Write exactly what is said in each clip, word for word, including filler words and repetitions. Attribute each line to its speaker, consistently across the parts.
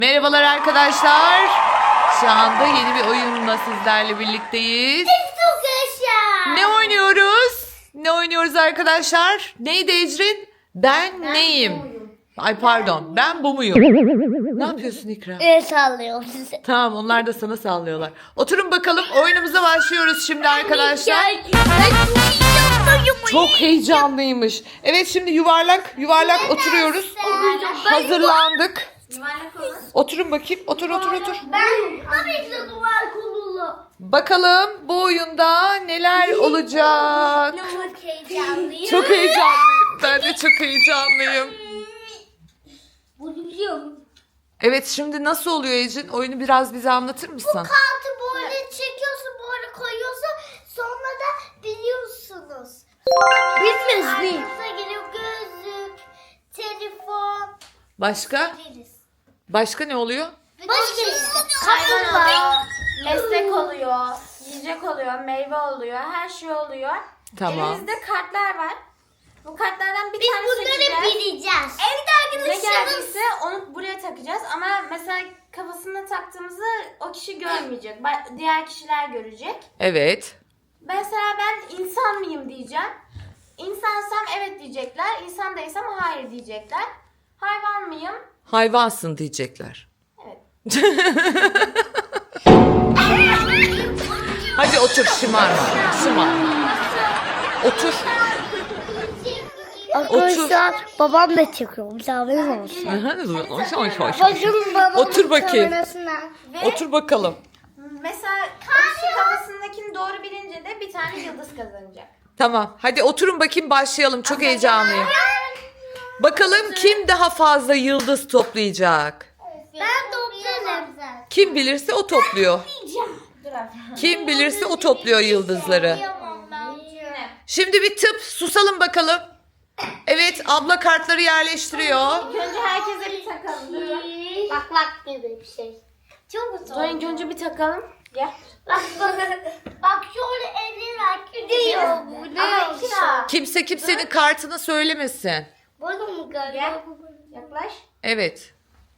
Speaker 1: Merhabalar arkadaşlar. Şu anda yeni bir oyunla sizlerle birlikteyiz.
Speaker 2: Çok yaşa.
Speaker 1: Ne oynuyoruz? Ne oynuyoruz arkadaşlar? Neydi Ecrin? Ben,
Speaker 2: Ben
Speaker 1: neyim?
Speaker 2: buyum.
Speaker 1: Ay pardon, ben bu muyum? Ne yapıyorsun İkra?
Speaker 2: El sallıyorum size.
Speaker 1: Tamam, onlar da sana sallıyorlar. Oturun bakalım, oyunumuza başlıyoruz şimdi arkadaşlar. Çok heyecanlıymış. Evet, şimdi yuvarlak yuvarlak oturuyoruz. Hazırlandık. Oturun bakayım. Otur otur otur.
Speaker 2: Ben tabii ki de duvar konulu.
Speaker 1: Bakalım bu oyunda neler olacak?
Speaker 2: Çok heyecanlıyım.
Speaker 1: Çok heyecanlıyım. Ben de çok heyecanlıyım.
Speaker 2: Bunu biliyorum.
Speaker 1: Evet, şimdi nasıl oluyor Ecin? Oyunu biraz bize anlatır mısın?
Speaker 2: Kartı böyle çekiyorsun, böyle koyuyorsun. Sonra da biliyorsunuz. Bilmez mi? Geliyor gözlük, telefon.
Speaker 1: Başka?
Speaker 2: Biliriz.
Speaker 1: Başka ne oluyor?
Speaker 2: Başka işte.
Speaker 3: Hayvan
Speaker 2: Kapı var.
Speaker 3: oluyor, meslek oluyor, yiyecek oluyor, meyve oluyor, her şey oluyor.
Speaker 1: Tamam.
Speaker 3: Elimizde kartlar var. Bu kartlardan bir
Speaker 2: Biz
Speaker 3: tane
Speaker 2: bunları
Speaker 3: seçeceğiz.
Speaker 2: bileceğiz. Evet
Speaker 3: Ne geldiyse onu buraya takacağız ama mesela kafasına taktığımızı o kişi görmeyecek. Ba- Diğer kişiler görecek.
Speaker 1: Evet.
Speaker 3: Mesela ben insan mıyım diyeceğim. İnsansam evet diyecekler. İnsan değilsem hayır diyecekler. Hayvan mıyım?
Speaker 1: Hayvansın diyecekler.
Speaker 3: Evet.
Speaker 1: Hadi otur, şımarma. Şımarma. Otur.
Speaker 2: Arkadaşlar babam da çekiyor. Misafirim olsun. Bakın babamın
Speaker 1: Otur bakayım.
Speaker 2: kamerasına.
Speaker 3: Ve
Speaker 1: Otur bakalım.
Speaker 3: mesela o kişi kafasındakini doğru bilince de bir tane yıldız kazanacak.
Speaker 1: Tamam. Hadi oturun bakayım, başlayalım. Çok heyecanlıyım. Bakalım kim daha fazla yıldız toplayacak?
Speaker 2: Ben toplarım.
Speaker 1: Kim bilirse o topluyor.
Speaker 3: Dur abi.
Speaker 1: Kim bilirse o topluyor yıldızları. Şimdi bir tıp susalım bakalım. Evet, abla kartları yerleştiriyor.
Speaker 3: İlk önce herkese bir takalım. Durun.
Speaker 2: Bak bak gibi bir şey. Çok zor.
Speaker 3: Dur ilk önce bir takalım. Gel.
Speaker 2: Bak bak. Bak şöyle eller gidiyor. Bu ne
Speaker 3: Ama
Speaker 2: olsun?
Speaker 3: ikna.
Speaker 1: Kimse kimsenin kartını söylemesin.
Speaker 2: Balon mu
Speaker 3: Gel.
Speaker 2: galiba?
Speaker 3: Yaklaş.
Speaker 1: Evet.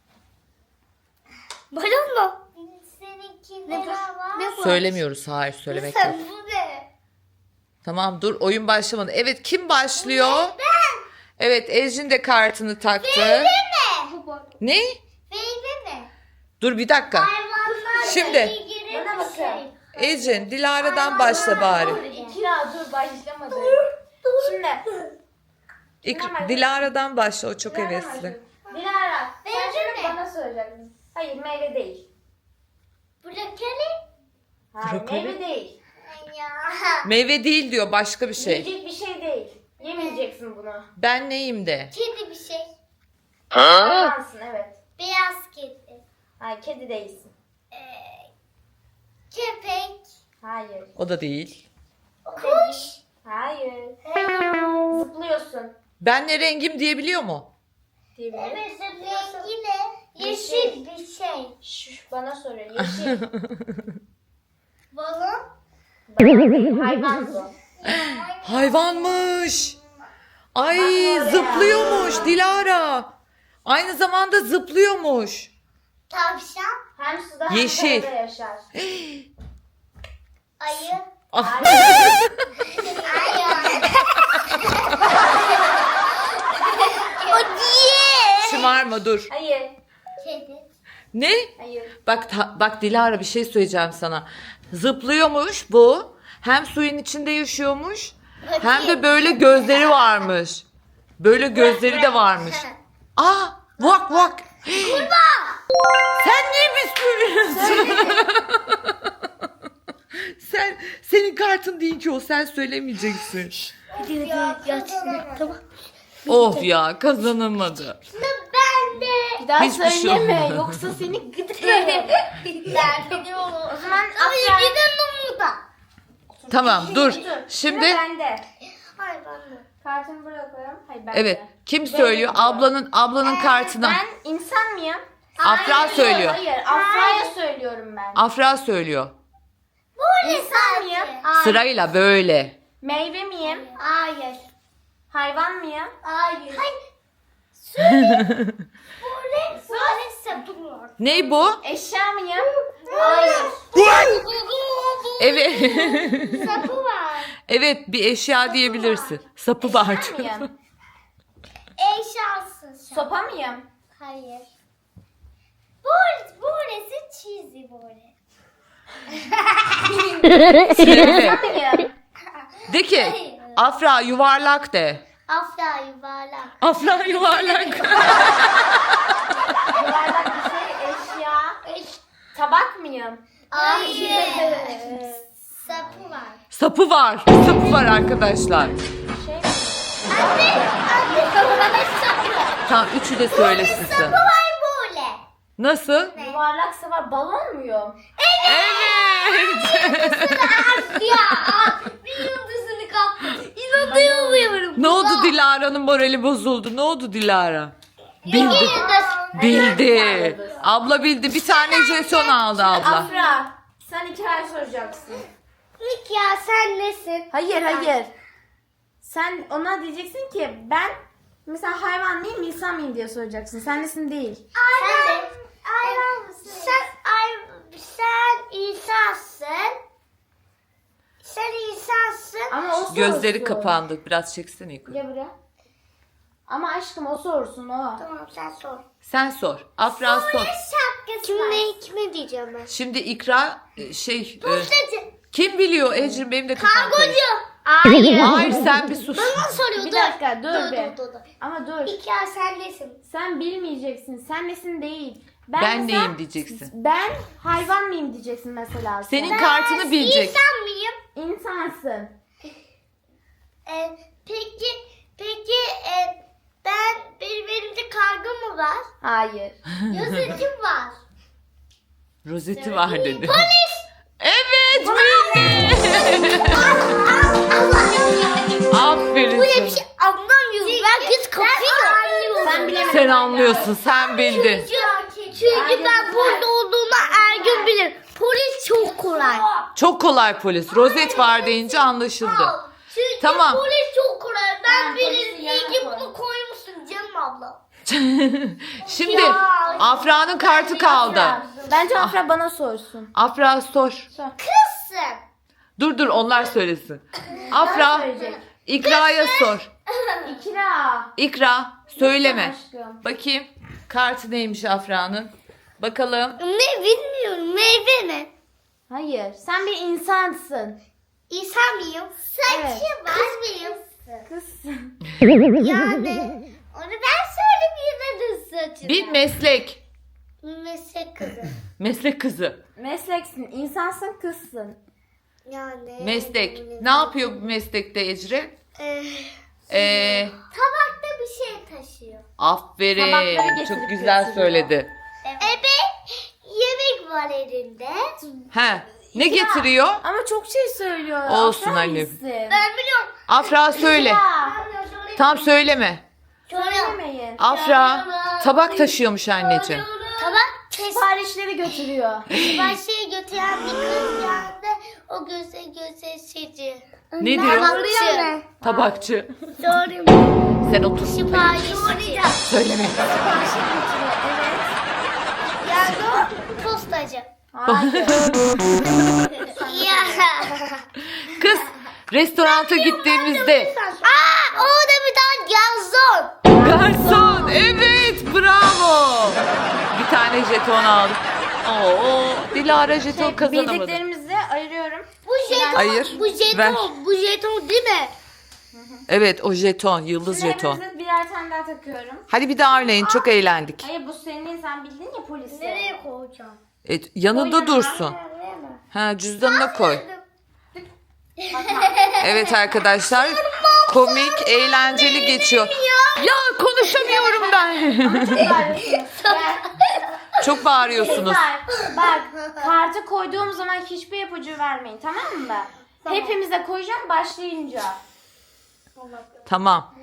Speaker 2: Balon mu? Seninki ne var? Ne var?
Speaker 1: Söylemiyoruz. Hayır, söylemek yok.
Speaker 2: Sen bu ne?
Speaker 1: Tamam, dur, oyun başlamadı. Evet, kim başlıyor?
Speaker 2: Ben.
Speaker 1: Evet, Ejin de kartını taktı.
Speaker 2: Ne?
Speaker 1: Ne?
Speaker 2: Meyve mi?
Speaker 1: Dur bir dakika.
Speaker 2: Hayvanlar
Speaker 1: Şimdi.
Speaker 2: ilgili
Speaker 3: Bana
Speaker 2: bir
Speaker 3: bakın.
Speaker 2: şey.
Speaker 1: Ejin, Dilara'dan başla bari.
Speaker 3: İkna dur başlamadı. Şimdi.
Speaker 1: İlk Dilara'dan başla, o çok
Speaker 3: Dilara
Speaker 1: hevesli.
Speaker 3: başlıyor. Dilara. Sen
Speaker 2: Meyve
Speaker 3: şimdi
Speaker 2: mi?
Speaker 3: bana soracaksın. Hayır meyve değil.
Speaker 2: Brokoli?
Speaker 3: Hayır
Speaker 1: Brokoli.
Speaker 3: meyve değil.
Speaker 2: Ya.
Speaker 1: Meyve değil diyor, başka bir şey.
Speaker 3: Yiyecek bir şey değil. Yemeyeceksin bunu.
Speaker 1: Ben neyim de?
Speaker 2: Kedi bir şey.
Speaker 3: Hayvansın evet.
Speaker 2: Beyaz kedi.
Speaker 3: Hayır kedi değilsin.
Speaker 2: Ee, köpek.
Speaker 3: Hayır.
Speaker 1: O da değil.
Speaker 2: Kuş.
Speaker 3: Hayır. Zıplıyorsun.
Speaker 1: Ben ne rengim diyebiliyor mu?
Speaker 3: Diyebilirim.
Speaker 2: Evet zıplıyorsun. Yine yeşil bir şey.
Speaker 3: Şş, bana soruyor. Yeşil.
Speaker 2: Balon.
Speaker 3: Hayvan bu.
Speaker 1: Hayvanmış. Ay, zıplıyormuş Dilara. Aynı zamanda zıplıyormuş.
Speaker 2: Tavşan.
Speaker 3: Hem suda hem
Speaker 1: Yeşil.
Speaker 3: karada yaşar.
Speaker 2: Ayı.
Speaker 1: Ah.
Speaker 2: Ayı. O diye.
Speaker 1: Şımarma, dur.
Speaker 3: Hayır.
Speaker 2: Kedi.
Speaker 1: Ne?
Speaker 3: Hayır.
Speaker 1: Bak ta- bak Dilara, bir şey söyleyeceğim sana. Zıplıyormuş bu. Hem suyun içinde yaşıyormuş. Hem de böyle gözleri varmış. Böyle gözleri de varmış. Aa, vak vak. Sen niye bisküvi? Sen senin kartın değil ki o, sen söylemeyeceksin.
Speaker 2: Hadi hadi yat. Tamam.
Speaker 1: Of ya, kazanamadı.
Speaker 2: Ben de.
Speaker 3: Bir daha
Speaker 1: Hiçbir şey
Speaker 3: söyleme
Speaker 1: olmadı.
Speaker 3: yoksa seni gıdıklarım.
Speaker 2: Ben de olur.
Speaker 3: O zaman
Speaker 2: Hayır
Speaker 3: Afra.
Speaker 2: bir de Numuda.
Speaker 1: Tamam, dur.
Speaker 3: Sıra
Speaker 1: Şimdi
Speaker 3: bende.
Speaker 2: Hayır ben de.
Speaker 3: Kartımı buraya koyalım. Hayır bende.
Speaker 1: evet, kim
Speaker 3: Benim
Speaker 1: söylüyor?
Speaker 3: diyor.
Speaker 1: Ablanın ablanın kartını.
Speaker 3: Ben insan mıyım?
Speaker 1: Afra
Speaker 3: Hayır,
Speaker 1: söylüyor.
Speaker 3: Hayır, Afra'ya söylüyorum ben.
Speaker 1: Afra söylüyor.
Speaker 2: Böyle
Speaker 3: İnsan
Speaker 2: sadece.
Speaker 3: mıyım?
Speaker 1: Sırayla böyle.
Speaker 3: Meyve miyim?
Speaker 2: Hayır.
Speaker 3: Hayvan mıyım?
Speaker 2: Hayır. Hayır. Böyle böyle sapım var.
Speaker 1: Ney bu?
Speaker 3: Eşya mıyım? Hayır.
Speaker 1: Evet.
Speaker 2: Sapı var.
Speaker 1: Evet, bir eşya diyebilirsin. Sapı var.
Speaker 3: Eşya mıyım?
Speaker 2: Eşyasın sen.
Speaker 3: Sopa mıyım?
Speaker 2: Hayır. Burası, burası çizi böyle.
Speaker 1: Söyle.
Speaker 3: Mıyım?
Speaker 1: De ki Afra yuvarlak de.
Speaker 2: Afra yuvarlak.
Speaker 1: Afra yuvarlak.
Speaker 3: Yuvarlak bir şey, eşya. Tabak mıyım?
Speaker 2: Hayır. Sapı var.
Speaker 1: Sapı var. Sapı var arkadaşlar.
Speaker 3: Şey mi?
Speaker 2: Anne, anne sapı.
Speaker 1: Tamam, üçü de söylesin
Speaker 2: Sapı
Speaker 1: sen.
Speaker 2: var böyle.
Speaker 1: Nasıl?
Speaker 3: Yuvarlaksa var, balon muyum?
Speaker 1: Evet.
Speaker 2: Ya bir yıldızını kaptı. İnanamıyorum.
Speaker 1: Ne oldu, Dilara'nın morali bozuldu. Ne oldu Dilara? Bildi.
Speaker 2: Yıldız.
Speaker 1: Bildi. Abla bildi. Bir tane jeton aldı abla.
Speaker 3: Afra, sen iki ay soracaksın.
Speaker 2: İlk ya sen nesin?
Speaker 3: Hayır, hayır. Sen ona diyeceksin ki ben mesela hayvan mıyım, insan mıyım diye soracaksın. Sen nesin değil.
Speaker 2: Ayran. Ayran mısın? Sen ay sen insansın. Sen insansın.
Speaker 3: Ama o sorsun.
Speaker 1: Gözleri kapandı. Biraz çeksene yukarı.
Speaker 3: Gel buraya. Ama aşkım o sorsun o.
Speaker 2: Tamam sen sor.
Speaker 1: Sen sor. Afra sor.
Speaker 2: Şapkası Kim ne kime diyeceğim ben?
Speaker 1: Şimdi ikra e, şey e,
Speaker 2: Postacı.
Speaker 1: kim biliyor Ecrin, benim de kafam karıştı.
Speaker 2: Kargocu. Hayır.
Speaker 1: Hayır, sen bir sus.
Speaker 2: Bana soruyor.
Speaker 3: Bir
Speaker 2: dur.
Speaker 3: dakika, dur
Speaker 2: dur,
Speaker 3: be.
Speaker 2: dur, dur, dur.
Speaker 3: Ama dur.
Speaker 2: İlk ya sen nesin?
Speaker 3: Sen bilmeyeceksin. Sen nesin değil.
Speaker 1: Ben
Speaker 3: mesela-
Speaker 1: neyim diyeceksin.
Speaker 3: Ben hayvan mıyım diyeceksin mesela. sen.
Speaker 1: Senin kartını bilecek.
Speaker 2: İnsan mıyım?
Speaker 3: İnsansın.
Speaker 2: Ee, peki peki e, ben benim elimde kargo mu var?
Speaker 3: Hayır.
Speaker 2: Yazıcım var.
Speaker 1: Rozeti var dedi.
Speaker 2: Polis.
Speaker 1: Evet, bildi. Aferin
Speaker 2: Bu ne bir
Speaker 1: sana.
Speaker 2: şey anlamıyorum. Ben kız kapıyor.
Speaker 3: Sen bilemedin.
Speaker 1: Sen anlıyorsun, sen bildin.
Speaker 2: Çünkü, çünkü ben burada olduğumu her gün bilirim. Polis çok kolay.
Speaker 1: Çok kolay polis. Rozet var deyince anlaşıldı.
Speaker 2: Çünkü
Speaker 1: Tamam.
Speaker 2: polis çok kolay. Ben
Speaker 3: Ben
Speaker 2: bilirim.
Speaker 3: polisi
Speaker 2: İyi ki
Speaker 3: yanına
Speaker 2: bunu koymuşsun canım abla.
Speaker 1: Şimdi Afra'nın kartı kaldı.
Speaker 3: Bence Afra bana sorsun.
Speaker 1: Afra sor.
Speaker 3: Sor.
Speaker 2: Kızsın.
Speaker 1: Dur dur, onlar söylesin. Afra
Speaker 3: Söyleyecek.
Speaker 1: İkra'ya sor.
Speaker 3: İkra.
Speaker 1: İkra söyleme.
Speaker 3: Aşkım.
Speaker 1: Bakayım kartı neymiş Afra'nın. Bakalım.
Speaker 2: Ne bilmiyorum. Meyve mi?
Speaker 3: Hayır. Sen bir insansın.
Speaker 2: İnsan mıyım? Saçı
Speaker 3: Evet.
Speaker 2: var. Kız mıyım?
Speaker 3: Kızsın.
Speaker 2: Yani onu ben söyleyeyim saçını.
Speaker 1: Bir meslek.
Speaker 2: Meslek kızı.
Speaker 1: Meslek kızı.
Speaker 3: Mesleksin. İnsansın, kızsın.
Speaker 2: Yani.
Speaker 1: Meslek. Ne yapıyor bu meslekte Ecri?
Speaker 2: Ee,
Speaker 1: Ee,
Speaker 2: tabakta bir şey taşıyor.
Speaker 1: aferin.
Speaker 3: Tabakları getirip
Speaker 1: Çok güzel
Speaker 3: götürüyor.
Speaker 1: söyledi.
Speaker 2: Evet. yemek var elinde.
Speaker 1: He. Ne getiriyor?
Speaker 3: Ama çok şey söylüyor.
Speaker 1: Olsun
Speaker 3: Afra
Speaker 1: annem.
Speaker 3: iyisin.
Speaker 2: Ben biliyorum.
Speaker 1: Afra söyle.
Speaker 3: Ya.
Speaker 1: Tam söyleme.
Speaker 3: Söylemeyin.
Speaker 1: Afra tabak taşıyormuş anneciğim.
Speaker 2: Tabak kes.
Speaker 3: Siparişleri götürüyor.
Speaker 2: Siparişi götüren bir kız geldi. O göze göze sizi.
Speaker 1: Ne diyor?
Speaker 2: Tabakçı.
Speaker 1: Tabakçı.
Speaker 2: Sorayım.
Speaker 1: Sen otur.
Speaker 2: Siparişi soracağım.
Speaker 1: Söyleme.
Speaker 3: Siparişi götürüyor. Evet.
Speaker 2: Yani o postacı.
Speaker 3: Hayır.
Speaker 2: Ya.
Speaker 1: Kız restoranta gittiğimizde.
Speaker 2: Aa, orada bir tane garson.
Speaker 1: Garson. Evet, bravo. Bir tane jeton aldık. Oo, Dilara jeton
Speaker 3: Şey,
Speaker 1: kazanamadı.
Speaker 3: bildiklerimizi ayırıyorum.
Speaker 2: Bu jeton.
Speaker 1: Hayır,
Speaker 2: Bu jeton.
Speaker 1: ver.
Speaker 2: Bu jeton değil mi?
Speaker 1: Evet, o jeton, yıldız
Speaker 3: Şimdi
Speaker 1: jeton.
Speaker 3: hepimize birer tane daha takıyorum.
Speaker 1: Hadi bir daha oynayın, çok eğlendik.
Speaker 3: Hayır, bu senin, sen bildin ya polisi.
Speaker 2: Nereye koyacağım?
Speaker 1: Evet, yanında
Speaker 3: Koy
Speaker 1: dursun.
Speaker 2: Nereye?
Speaker 1: Ha, cüzdanına koy. Evet arkadaşlar, komik, eğlenceli geçiyor. Ya konuşamıyorum ben.
Speaker 3: Gel.
Speaker 1: Çok bağırıyorsunuz.
Speaker 3: Kızlar, bak kartı koyduğum zaman hiçbir ipucu vermeyin, tamam mı? Hepimize koyacağım başlayınca.
Speaker 1: Tamam.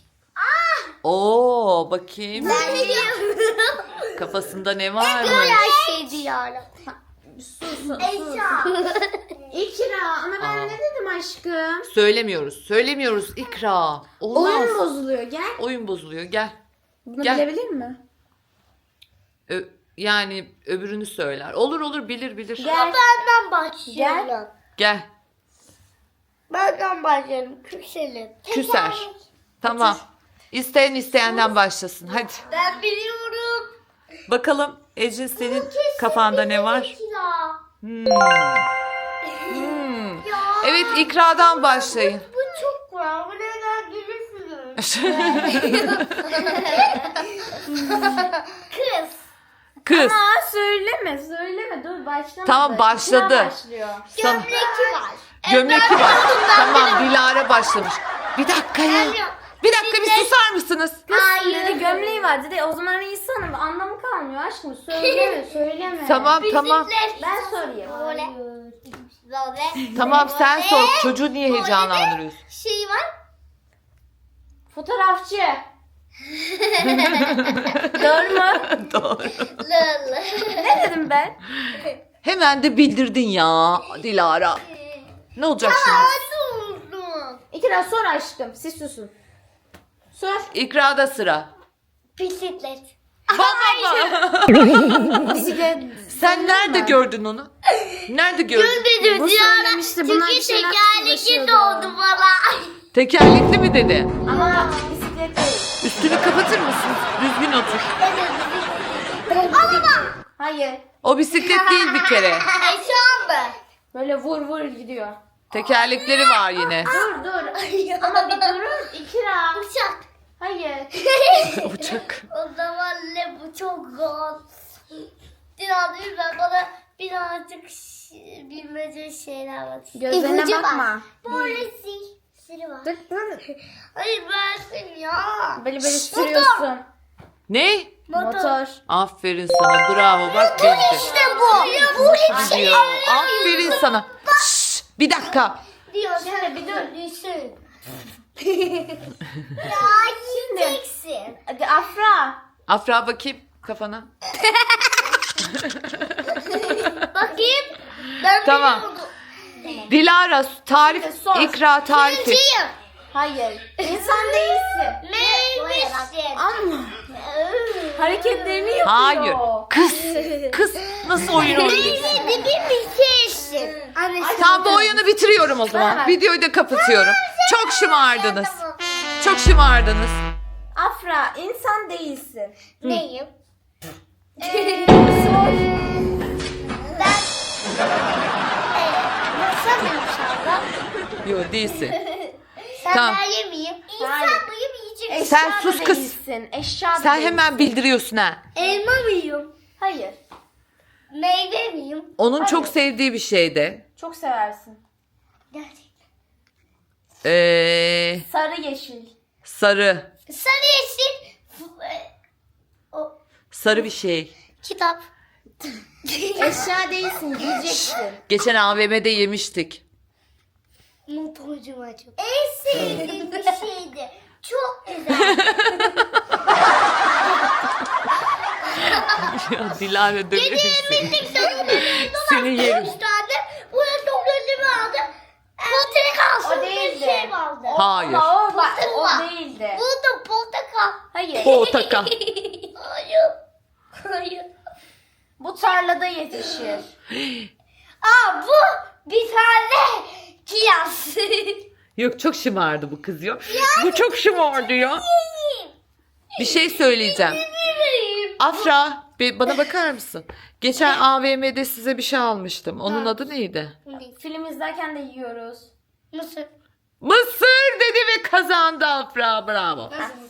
Speaker 1: Oo, bakayım.
Speaker 2: Ben biliyorum.
Speaker 1: Kafasında ne
Speaker 2: Böyle
Speaker 1: varmış?
Speaker 2: şey diyorum.
Speaker 3: Sus, sus.
Speaker 2: Eşya.
Speaker 3: İkra, ama ben ne dedim aşkım?
Speaker 1: Söylemiyoruz. Söylemiyoruz ikra. Olmaz.
Speaker 3: Oyun bozuluyor, gel.
Speaker 1: Oyun bozuluyor. Gel.
Speaker 3: Bunu
Speaker 1: Gel.
Speaker 3: bilebilir mi?
Speaker 1: Ö- yani öbürünü söyler. Olur olur bilir bilir.
Speaker 3: Gel.
Speaker 2: Benden başlıyorum.
Speaker 1: Gel.
Speaker 2: Benden başlıyorum. Küselim.
Speaker 1: Küser. Tamam. İsteyen isteyenden başlasın. Hadi.
Speaker 2: Ben biliyorum.
Speaker 1: Bakalım Ecin senin kafanda ne var? Hmm. Hmm. Evet ikradan başlayın.
Speaker 2: Bu çok var. Bu neden gülürsünüz? Kız.
Speaker 1: Kız.
Speaker 3: Aa söyleme söyleme dur başlama.
Speaker 1: Tamam, başladı.
Speaker 3: İkra başlıyor.
Speaker 1: Sana-
Speaker 2: Gömleki var.
Speaker 1: Gömleki var. Tamam Dilara başlamış. Bir dakika ya. Bir dakika bir susar mısınız?
Speaker 3: Kız dedi gömleği var dedi o zaman insanım anlamı kalmıyor aşkım söyleme söyleme.
Speaker 1: Tamam tamam.
Speaker 3: Ben sorayım.
Speaker 2: Böyle. Böyle.
Speaker 1: Tamam sen sor. Çocuğu niye heyecanlandırıyorsun?
Speaker 2: Şey var.
Speaker 3: Fotoğrafçı. Doğru mu?
Speaker 1: Doğru.
Speaker 2: Lıl.
Speaker 3: Ne dedim ben?
Speaker 1: Hemen de bildirdin ya Dilara. Ne olacak şimdi?
Speaker 2: Hadi oldu.
Speaker 3: İkra sor aşkım siz susun. Sor.
Speaker 1: İkrada sıra.
Speaker 2: Bisiklet.
Speaker 1: Baba.
Speaker 3: Bisiklet.
Speaker 1: Sen nerede gördün onu? Nerede gördün?
Speaker 2: Dedim
Speaker 3: Bu söylemişti, bunlar
Speaker 2: Çünkü
Speaker 3: bir şeyler
Speaker 2: tekerlekli
Speaker 3: uğraşıyordu.
Speaker 2: doğdu bana.
Speaker 1: Tekerlekli mi dedi?
Speaker 3: Ama bisiklet değil.
Speaker 1: Üstünü kapatır mısın? Düzgün otur.
Speaker 3: Hayır.
Speaker 1: O bisiklet değil bir kere.
Speaker 2: Eşan
Speaker 3: Böyle vur vur gidiyor.
Speaker 1: Tekerlekleri var yine.
Speaker 3: Dur dur. Ama bir durun. İkra.
Speaker 2: Uçak.
Speaker 3: Hayır.
Speaker 1: Uçak.
Speaker 2: O zaman ne bu çok zor. Biraz ben bana birazcık ş- bilmece şeyler var.
Speaker 3: Gözlerine
Speaker 2: İpucu
Speaker 3: bakma.
Speaker 2: var. Böyle sil. Siri var.
Speaker 3: Dur dur.
Speaker 2: Hayır versin ya.
Speaker 3: Böyle böyle sürüyorsun.
Speaker 1: Ne?
Speaker 3: Motor.
Speaker 1: Aferin sana. Bravo. Bak bildi.
Speaker 2: İşte bu. Bu hiç şey
Speaker 1: Diyor. Aferin sana. Şşş, bir dakika.
Speaker 2: diyor.
Speaker 3: Şimdi bir dur.
Speaker 2: Düşün. Ya yiyeceksin.
Speaker 3: Hadi Afra.
Speaker 1: Afra bakayım kafana.
Speaker 2: Bakayım. Ben
Speaker 1: Tamam.
Speaker 2: biliyordum.
Speaker 1: Dilara tarif,
Speaker 3: Şimdi sor.
Speaker 1: ikra tarifi.
Speaker 2: Birinciyim.
Speaker 3: Hayır. İnsan değilsin.
Speaker 2: Neymişsin?
Speaker 3: Ama hareketlerini yapıyor.
Speaker 1: Hayır. Kız. Kız nasıl oyun oynuyorsun?
Speaker 2: Neydi bir şeysin. Anne
Speaker 1: Tamam bu oyunu bitiriyorum o zaman.
Speaker 3: Tamam.
Speaker 1: Videoyu da kapatıyorum. Çok şımardınız. Çok şımardınız.
Speaker 3: Afra insan değilsin.
Speaker 2: Neyim?
Speaker 3: Sor.
Speaker 2: Ben nasıl mıyım şarkı?
Speaker 1: Yok değilsin.
Speaker 2: Sen
Speaker 1: Tamam.
Speaker 2: ben yemeyeyim. İnsan
Speaker 3: Hayır.
Speaker 2: mıyım yiyecek?
Speaker 3: Eşya
Speaker 1: Sen
Speaker 3: da
Speaker 1: sus kız.
Speaker 3: değilsin. Eşya da
Speaker 1: Sen
Speaker 3: değilsin.
Speaker 1: hemen bildiriyorsun ha.
Speaker 2: Elma mıyım?
Speaker 3: Hayır.
Speaker 2: Meyve miyim?
Speaker 1: Onun çok sevdiği bir şeydi.
Speaker 3: Çok seversin.
Speaker 2: Gerçekten.
Speaker 1: Ee,
Speaker 3: Sarı yeşil.
Speaker 1: sarı.
Speaker 2: Sarı yeşil. F- e, O
Speaker 1: Sarı bir şey.
Speaker 2: kitap.
Speaker 3: Eşya değilsin. Yiyeceksin.
Speaker 1: Geçen A V M'de yemiştik.
Speaker 2: Motorcum acım. En sevdiğim bir şeydi. Çok güzel.
Speaker 1: Ya Dilara dönüyorsun. Seni
Speaker 2: Üç
Speaker 1: yerim.
Speaker 2: tane. Buraya çok önlemi aldı. Portakal.
Speaker 3: O değildi.
Speaker 2: Bir şey vardı.
Speaker 1: Hayır.
Speaker 3: Ama o, bak,
Speaker 2: Portakal.
Speaker 3: o değildi.
Speaker 2: Burada portakal.
Speaker 3: Hayır.
Speaker 1: Portakal.
Speaker 2: Hayır. Hayır.
Speaker 3: Bu tarlada yetişir.
Speaker 2: Aa bu bir tane kiraz.
Speaker 1: Yok çok şımardı bu kız ya. Bu çok şımardı ya. Bir şey söyleyeceğim. Afra bir bana bakar mısın? Geçen A V M'de size bir şey almıştım. Onun adı neydi?
Speaker 3: Film izlerken de yiyoruz.
Speaker 2: Nasıl?
Speaker 1: Mısır dedi ve kazandı Afra. Bravo.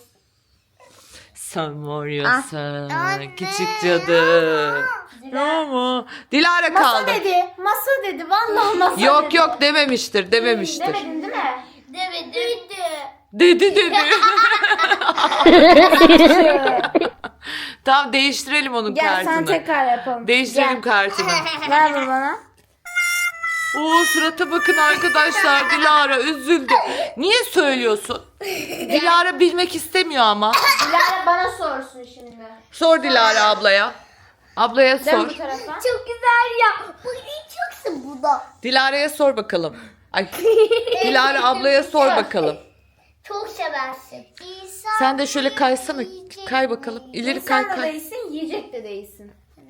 Speaker 1: Sen var ya sen.
Speaker 2: Anne.
Speaker 1: Küçük cadı. Bravo. Dilara
Speaker 3: Masa
Speaker 1: kaldı.
Speaker 3: dedi. Masa dedi. Vallahi masa
Speaker 1: Yok
Speaker 3: dedi.
Speaker 1: yok dememiştir dememiştir.
Speaker 3: Demedin değil mi?
Speaker 2: Demedim.
Speaker 1: Dedi dedi. Tamam değiştirelim onun
Speaker 3: Gel
Speaker 1: kartını.
Speaker 3: sen tekrar yapalım.
Speaker 1: Değiştirelim kartını.
Speaker 3: Gel. Ver bunu bana.
Speaker 1: Oo surata bakın arkadaşlar. Dilara üzüldü. Niye söylüyorsun? Dilara bilmek istemiyor ama.
Speaker 3: Dilara bana sorsun şimdi.
Speaker 1: Sor Dilara ablaya. Ablaya
Speaker 3: Dön
Speaker 1: sor.
Speaker 3: bu tarafa.
Speaker 2: Çok güzel ya. Bu yiyeceksin burada.
Speaker 1: Dilara'ya sor bakalım. Ay. Dilara ablaya sor bakalım.
Speaker 2: çok seversin. İnsan
Speaker 1: Sen de şöyle kaysana.
Speaker 2: yiyecek
Speaker 1: Kay bakalım.
Speaker 2: mi?
Speaker 1: İleri
Speaker 3: İnsan
Speaker 1: kay
Speaker 3: da
Speaker 1: kay.
Speaker 3: değilsin, yiyecek de değilsin.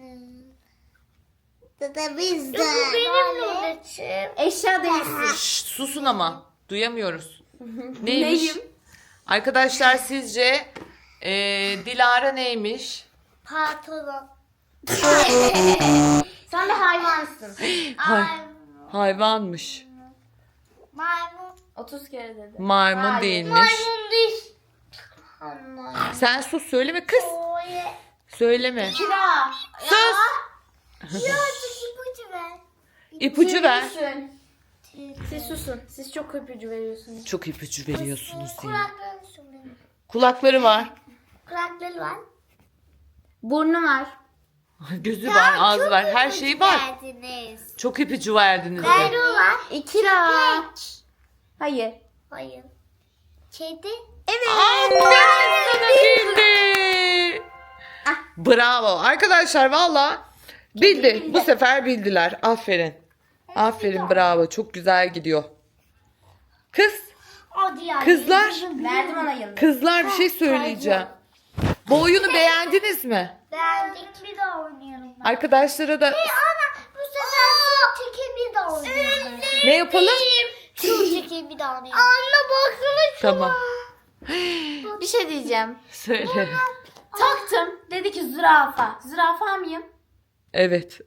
Speaker 2: Da bizde. Bu benim Nureciğim.
Speaker 3: Eşya değilsin.
Speaker 1: Şşt, susun ama. Duyamıyoruz. Neymiş?
Speaker 3: Neyim?
Speaker 1: Arkadaşlar sizce eee, Dilara neymiş?
Speaker 2: Pantolon.
Speaker 3: Sen de hayvansın.
Speaker 1: Hay-
Speaker 2: Ay,
Speaker 1: hayvanmış.
Speaker 2: maymun.
Speaker 3: otuz kere dedi.
Speaker 1: Maymun
Speaker 3: Hayır.
Speaker 1: değilmiş.
Speaker 2: Maymun değil. Anlayın.
Speaker 1: Sen sus söyleme kız.
Speaker 2: Oye.
Speaker 1: Söyleme.
Speaker 3: Kira.
Speaker 1: Sus.
Speaker 2: Birazcık ipucu ver.
Speaker 1: İpucu ver.
Speaker 3: Düşün. Siz susun. Siz çok ipucu veriyorsunuz.
Speaker 1: Çok ipucu veriyorsunuz diye.
Speaker 2: Kulaklarını sürmeyin.
Speaker 1: Kulakları var.
Speaker 2: Kulakları var.
Speaker 3: Burnu var.
Speaker 1: Gözü var, ağzı
Speaker 2: Çok
Speaker 1: var. Her
Speaker 2: ipucu
Speaker 1: şeyi var.
Speaker 2: verdiniz.
Speaker 1: Çok ipucu verdiniz de.
Speaker 2: Kuyruğu var.
Speaker 3: İkira. Hayır.
Speaker 2: Hayır. Kedi.
Speaker 1: Aferin sana bildi. Bravo. Arkadaşlar valla bildi. Bu sefer bildiler. Aferin. Aferin bravo. Çok güzel gidiyor. Kız,
Speaker 2: Hadi ya.
Speaker 1: Kızlar.
Speaker 3: Verdim ona yıldız.
Speaker 1: kızlar bir şey söyleyeceğim. Bu oyunu beğendiniz mi?
Speaker 2: Beğendik. Bir daha oynayalım. Ben.
Speaker 1: Arkadaşlara da
Speaker 2: Ana bu sefer su çekimi de oynayalım.
Speaker 1: ne yapalım?
Speaker 2: Su çekimi de oynayalım. Anne baksana şuna.
Speaker 1: Tamam.
Speaker 3: Bir şey diyeceğim.
Speaker 1: Söyle.
Speaker 3: Taktım. Dedi ki zürafa. Zürafa mıyım?
Speaker 1: Evet.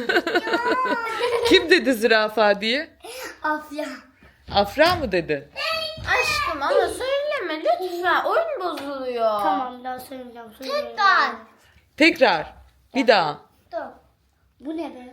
Speaker 1: Kim dedi zürafa diye?
Speaker 2: Afya.
Speaker 1: Afra mı dedi?
Speaker 3: Aşkım ama söyleme lütfen. Oyun bozuluyor.
Speaker 2: Tamam daha söyleyeceğim. Tekrar.
Speaker 1: Tekrar. Bir daha.
Speaker 2: Dur. Bu ne be?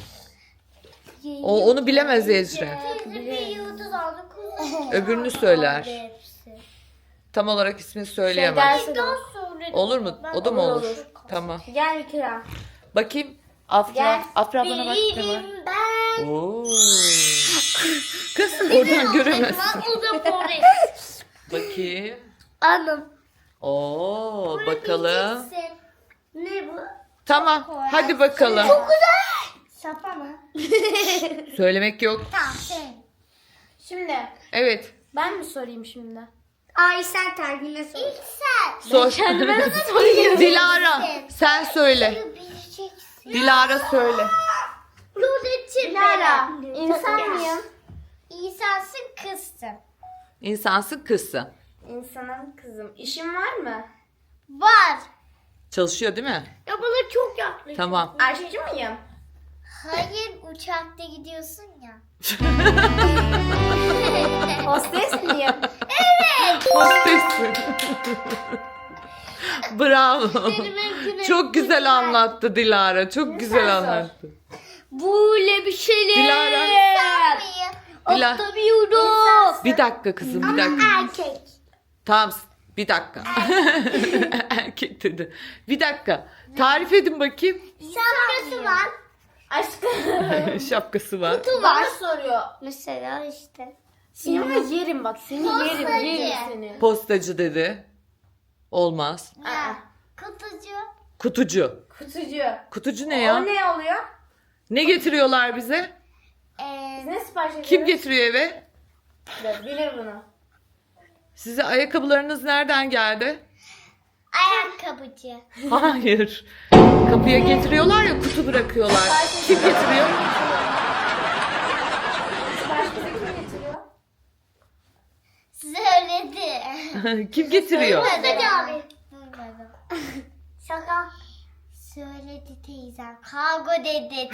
Speaker 1: O onu bilemez Ecre.
Speaker 2: Teyze bir yıldız aldı.
Speaker 1: Öbürünü söyler.
Speaker 2: Hepsi.
Speaker 1: Tam olarak ismini
Speaker 3: Şey
Speaker 1: söyleyemez.
Speaker 3: dersin.
Speaker 2: Daha söyledim.
Speaker 1: Olur mu? O da mı
Speaker 3: Olur,
Speaker 1: olur?
Speaker 3: olur.
Speaker 1: Tamam.
Speaker 3: Gel Kira.
Speaker 1: Bakayım. Afra.
Speaker 3: Gel.
Speaker 1: Afra bana bak. Ne var?
Speaker 2: Benim ben.
Speaker 1: Oo. Kız oradan göremezsin.
Speaker 2: O da Boris.
Speaker 1: Bakayım.
Speaker 2: Anım.
Speaker 1: Oo, bakalım.
Speaker 2: Bileceksin. Ne bu?
Speaker 1: Tamam. Hadi bakalım.
Speaker 2: Şapa mı?
Speaker 1: Söylemek yok.
Speaker 2: Tamam sen.
Speaker 3: Şimdi
Speaker 1: Evet.
Speaker 3: ben mi sorayım şimdi?
Speaker 2: Ay sen tergine sor. İlk sen.
Speaker 1: Sor.
Speaker 3: Kendime nasıl sorayım?
Speaker 1: Dilara sen söyle.
Speaker 2: Bileceksin.
Speaker 1: Dilara söyle.
Speaker 2: Nureciğim
Speaker 3: Dilara,
Speaker 2: benim.
Speaker 3: insan mıyım?
Speaker 2: İnsansın kızsın.
Speaker 1: İnsansın kızsın.
Speaker 3: İnsanım kızım. İşim var mı?
Speaker 2: Var.
Speaker 1: Çalışıyor değil mi?
Speaker 2: Ya bana çok yaklaşık.
Speaker 1: Tamam.
Speaker 3: Aşçı mıyım?
Speaker 2: Hayır uçakta gidiyorsun ya.
Speaker 3: Hostes miyim?
Speaker 1: Hostessin. Bravo.
Speaker 2: mümkün
Speaker 1: Çok güzel anlattı Dilara. Çok güzel
Speaker 3: sor.
Speaker 1: anlattı.
Speaker 2: Böyle bir şeyler.
Speaker 1: Dilara. Dila-
Speaker 2: Atlamıyorum.
Speaker 1: Bir dakika kızım bir dakika.
Speaker 2: Erkek.
Speaker 1: Tamam bir dakika. Erkek dedi. Bir dakika. Tarif edin bakayım.
Speaker 2: Şapkası var.
Speaker 3: Aşkım.
Speaker 1: Şapkası var.
Speaker 3: Bana soruyor.
Speaker 2: Mesela işte.
Speaker 3: Seni ama yerim bak. Seni yerim.
Speaker 2: Postacı.
Speaker 3: Yerim seni.
Speaker 1: Postacı dedi. Olmaz.
Speaker 3: Aa,
Speaker 2: Kutucu.
Speaker 1: Kutucu.
Speaker 3: kutucu.
Speaker 1: Kutucu ne
Speaker 3: O
Speaker 1: ya?
Speaker 3: ne oluyor?
Speaker 1: Ne getiriyorlar bize?
Speaker 3: Biz
Speaker 2: Ee,
Speaker 3: ne sipariş ediyoruz?
Speaker 1: Kim getiriyor eve?
Speaker 3: Dur, bilir bunu.
Speaker 1: Size ayakkabılarınız nereden geldi?
Speaker 2: ayakkabıcı.
Speaker 1: Hayır. Kapıya getiriyorlar ya kutu bırakıyorlar. Kim getiriyor?
Speaker 3: Sipariş bize kim getiriyor?
Speaker 2: Söyledi.
Speaker 1: Kim getiriyor?
Speaker 2: Söyledi abi. Duymadım. Şaka. Söyledi teyzem. Kavga dedi.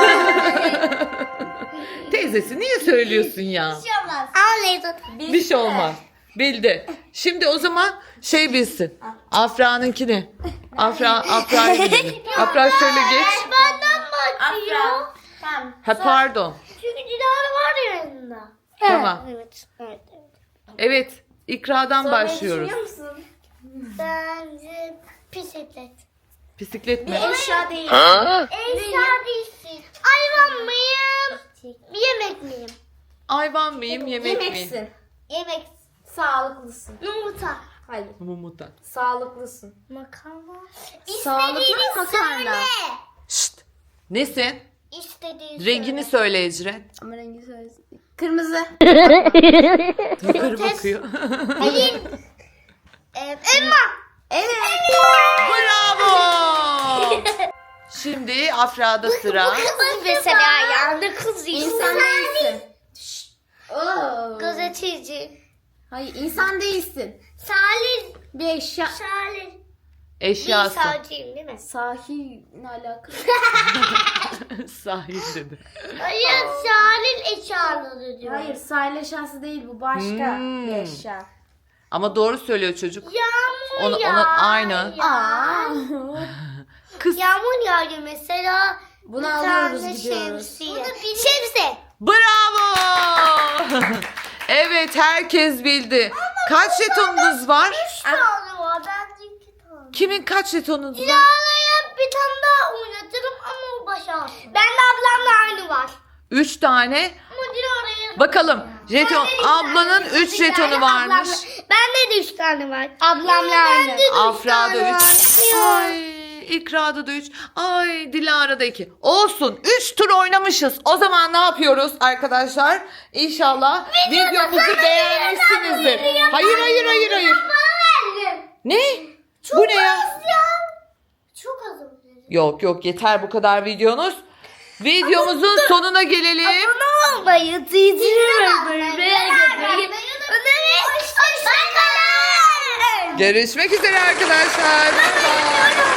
Speaker 1: Teyzesi niye söylüyorsun ya?
Speaker 2: Bir şey olmaz. Al
Speaker 1: Bir şey olmaz. Bildi. Şimdi o zaman şey bilsin. Afra'nınkini. Afra, Afra'yı bilelim. Afra şöyle geç.
Speaker 2: Benden bakıyor.
Speaker 3: Afra. Tamam.
Speaker 1: Ha pardon.
Speaker 2: Çünkü Dilara var ya yanında.
Speaker 1: Tamam.
Speaker 2: Evet. Evet. evet.
Speaker 1: Evet. İkra'dan
Speaker 3: Sormayı
Speaker 1: başlıyoruz.
Speaker 3: düşünüyor musun?
Speaker 2: Bence bisiklet.
Speaker 1: Bisiklet mi?
Speaker 3: Bir eşya değil.
Speaker 2: Eşya değilsin. Hayvan mıyım? Yemek miyim?
Speaker 1: Hayvan mıyım, yemek miyim?
Speaker 3: Yemeksin.
Speaker 2: Yemek.
Speaker 3: Sağlıklısın.
Speaker 2: Yumurta.
Speaker 3: Hayır.
Speaker 1: Mumuta.
Speaker 3: Sağlıklısın.
Speaker 2: Makarna.
Speaker 3: Sağlıklı
Speaker 2: İstediğini
Speaker 3: makarna.
Speaker 2: söyle.
Speaker 1: Şşt. Nesin?
Speaker 2: İstediğini
Speaker 1: Rengini
Speaker 2: söyle.
Speaker 1: söyle Ecren.
Speaker 3: Ama rengi söylesin. Kırmızı.
Speaker 1: Yukarı bakıyor.
Speaker 2: Elin. Ee, elma.
Speaker 3: Evet.
Speaker 1: Bravo. Şimdi Afra'da sıra.
Speaker 2: Kız mesela yani kız
Speaker 3: İnsan değilsin. Oo.
Speaker 2: Gazeteci.
Speaker 3: Hayır, insan değilsin.
Speaker 2: Salih.
Speaker 3: Bir eşya.
Speaker 2: Salih. Bir
Speaker 1: Eşyası.
Speaker 2: savcıyım değil mi?
Speaker 3: Sahil ne alakalı?
Speaker 1: Sahil dedi.
Speaker 2: Hayır Salih eşyaları diyor.
Speaker 3: Hayır, sahil eşyası değil bu. Başka
Speaker 1: Hmm.
Speaker 3: bir eşya.
Speaker 1: Ama doğru söylüyor çocuk.
Speaker 2: Yağmur
Speaker 1: Onu-
Speaker 2: yağ.
Speaker 1: onu aynı.
Speaker 2: yağ.
Speaker 3: Aa.
Speaker 1: Kız.
Speaker 2: Yağmur yağıyor mesela.
Speaker 3: Bunu
Speaker 2: bir
Speaker 3: alıyoruz,
Speaker 2: tane
Speaker 3: gidiyoruz.
Speaker 2: Şemsiye. Şemsiye.
Speaker 1: Bravo. Evet, herkes bildi. Kaç jetonunuz var?
Speaker 2: Üç tane var. Bence iki tane.
Speaker 1: Kimin kaç jetonunuz var?
Speaker 2: Dilara'ya bir tane daha oynatırım ama o başa. Ben de ablamla aynı var.
Speaker 1: Üç tane.
Speaker 2: Ama Dilara'ya...
Speaker 1: Bakalım. Jeton. Ablanın üç jetonu varmış.
Speaker 2: Bende de üç tane var. Ablamla aynı.
Speaker 1: Afra'da üç. Ay, İkra'da da üç. Ay, Dilara'da iki. Olsun. Üç tur oynamışız. O zaman ne yapıyoruz arkadaşlar? İnşallah videomuzu beğenmişsinizdir. Hayır, hayır, hayır, hayır. Ne? Bu ne ya?
Speaker 2: Çok az oldu.
Speaker 1: Yok yok, yeter bu kadar videonuz. Videomuzun sonuna gelelim.
Speaker 2: Abone olmayı, tüytürü ve
Speaker 1: Görüşmek üzere arkadaşlar. Bye bye.